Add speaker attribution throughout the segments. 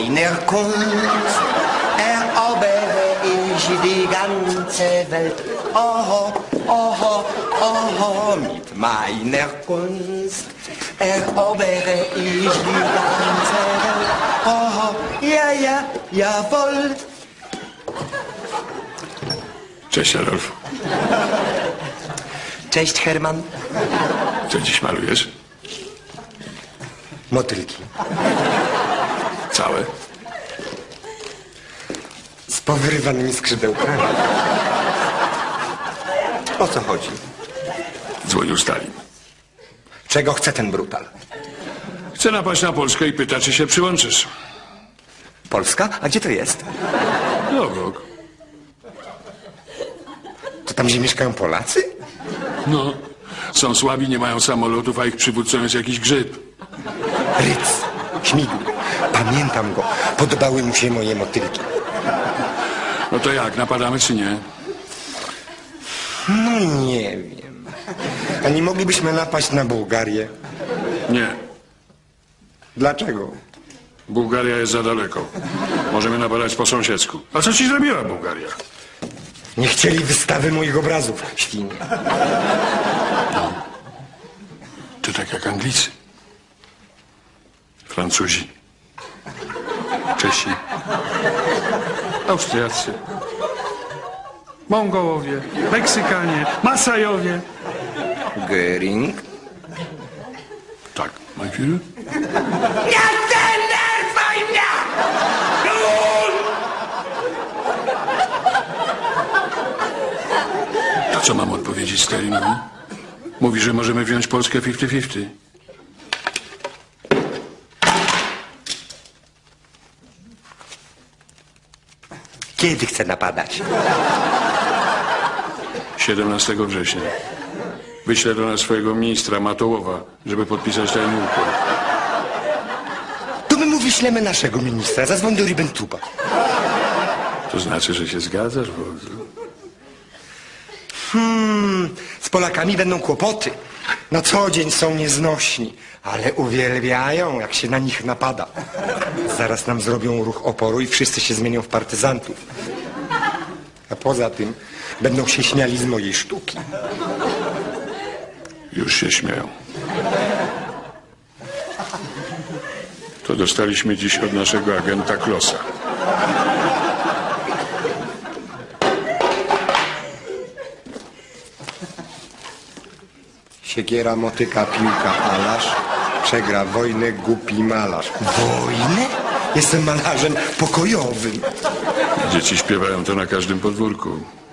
Speaker 1: meiner Kunst erobere ich die ganze Welt. Oh, oh, oh, mit meiner Kunst erobere ich die ganze Welt. Oh, ja, ja, jawohl.
Speaker 2: Cześć, Adolf.
Speaker 1: Cześć, Herman.
Speaker 2: Co dziś malujesz?
Speaker 1: Motylki.
Speaker 2: Całe?
Speaker 1: Z powyrywanymi skrzydełkami. O co chodzi?
Speaker 2: Dzwonił Stalin.
Speaker 1: Czego chce ten brutal?
Speaker 2: Chce napaść na Polskę i pyta, czy się przyłączysz.
Speaker 1: Polska? A gdzie to jest?
Speaker 2: No, obok.
Speaker 1: To tam, gdzie mieszkają Polacy?
Speaker 2: No, są słabi, nie mają samolotów, a ich przywódcą jest jakiś grzyb.
Speaker 1: Ryc, Śmigł. Pamiętam go. Podobały mu się moje motylki.
Speaker 2: No to jak, napadamy czy nie?
Speaker 1: No nie wiem. A nie moglibyśmy napaść na Bułgarię?
Speaker 2: Nie.
Speaker 1: Dlaczego?
Speaker 2: Bułgaria jest za daleko. Możemy napadać po sąsiedzku. A co ci zrobiła Bułgaria?
Speaker 1: Nie chcieli wystawy moich obrazów, świnie.
Speaker 2: To tak jak Anglicy. Francuzi. Czesi. Austriacy.
Speaker 3: Mongołowie, Meksykanie, Masajowie.
Speaker 1: Göring?
Speaker 2: Tak, mein Führer?
Speaker 1: Nie denerwuj mnie!
Speaker 2: A co mam odpowiedzieć Stalinowi? Mówi, że możemy wziąć Polskę 50-50.
Speaker 1: Kiedy chce napadać?
Speaker 2: 17 września. Wyślę do nas swojego ministra Matołowa, żeby podpisać ten układ.
Speaker 1: To my mu wyślemy naszego ministra. Zadzwoń do Ribbentupa.
Speaker 2: To znaczy, że się zgadzasz, wodzu?
Speaker 1: Z Polakami będą kłopoty. Na co dzień są nieznośni, ale uwielbiają, jak się na nich napada. Zaraz nam zrobią ruch oporu i wszyscy się zmienią w partyzantów. A poza tym będą się śmiali z mojej sztuki.
Speaker 2: Już się śmieją. To dostaliśmy dziś od naszego agenta Klossa.
Speaker 1: Siekiera, motyka, piłka, alarz. Przegra wojnę głupi malarz. Wojnę? Jestem malarzem pokojowym.
Speaker 2: Dzieci śpiewają to na każdym podwórku.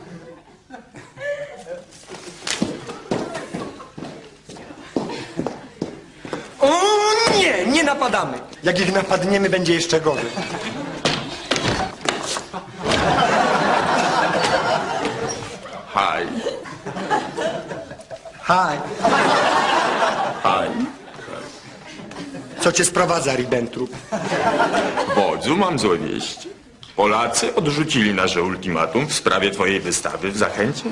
Speaker 1: O nie, nie napadamy. Jak ich napadniemy, będzie jeszcze gorzej.
Speaker 4: Haj,
Speaker 1: Haj,
Speaker 4: haj.
Speaker 1: co cię sprowadza, Ribbentrop?
Speaker 4: Wodzu, mam złe wieści. Polacy odrzucili nasze ultimatum w sprawie twojej wystawy w Zachęcie.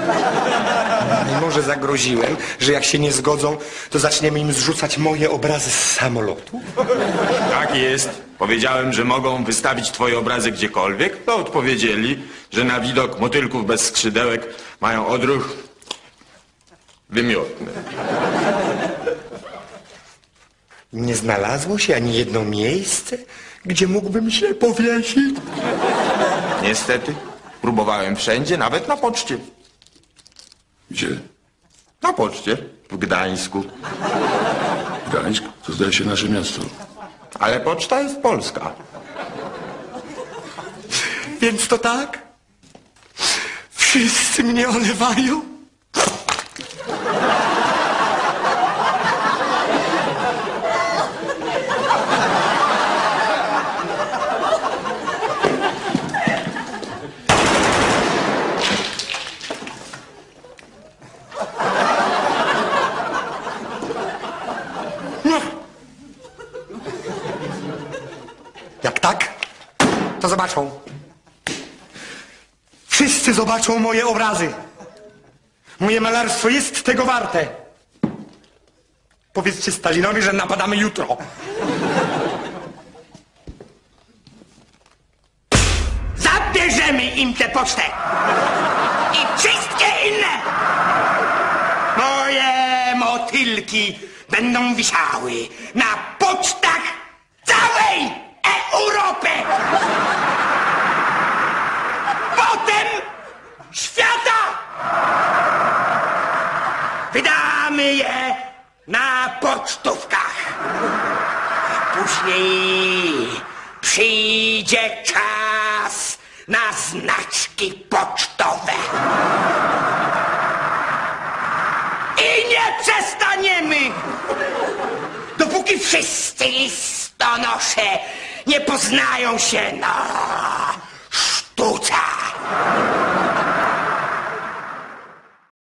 Speaker 1: I może zagroziłem, że jak się nie zgodzą, to zaczniemy im zrzucać moje obrazy z samolotu?
Speaker 4: Tak jest. Powiedziałem, że mogą wystawić twoje obrazy gdziekolwiek, to odpowiedzieli, że na widok motylków bez skrzydełek mają odruch wymiotny.
Speaker 1: Nie znalazło się ani jedno miejsce, gdzie mógłbym się powiesić?
Speaker 4: Niestety, próbowałem wszędzie, nawet na poczcie.
Speaker 2: Gdzie?
Speaker 4: Na poczcie w Gdańsku.
Speaker 2: Gdańsk? To zdaje się nasze miasto.
Speaker 4: Ale poczta jest polska.
Speaker 1: Więc to tak? Wszyscy mnie olewają? Jak tak, to zobaczą. Wszyscy zobaczą moje obrazy. Moje malarstwo jest tego warte. Powiedzcie Stalinowi, że napadamy jutro.
Speaker 5: zabierzemy im tę pocztę. I wszystkie inne. Moje motylki będą wisiały na pocztach całej Europy. Potem świata. Wydamy je na pocztówkach. Później przyjdzie czas na znaczki pocztowe. I nie przestaniemy, dopóki wszyscy listonosze nie poznają się na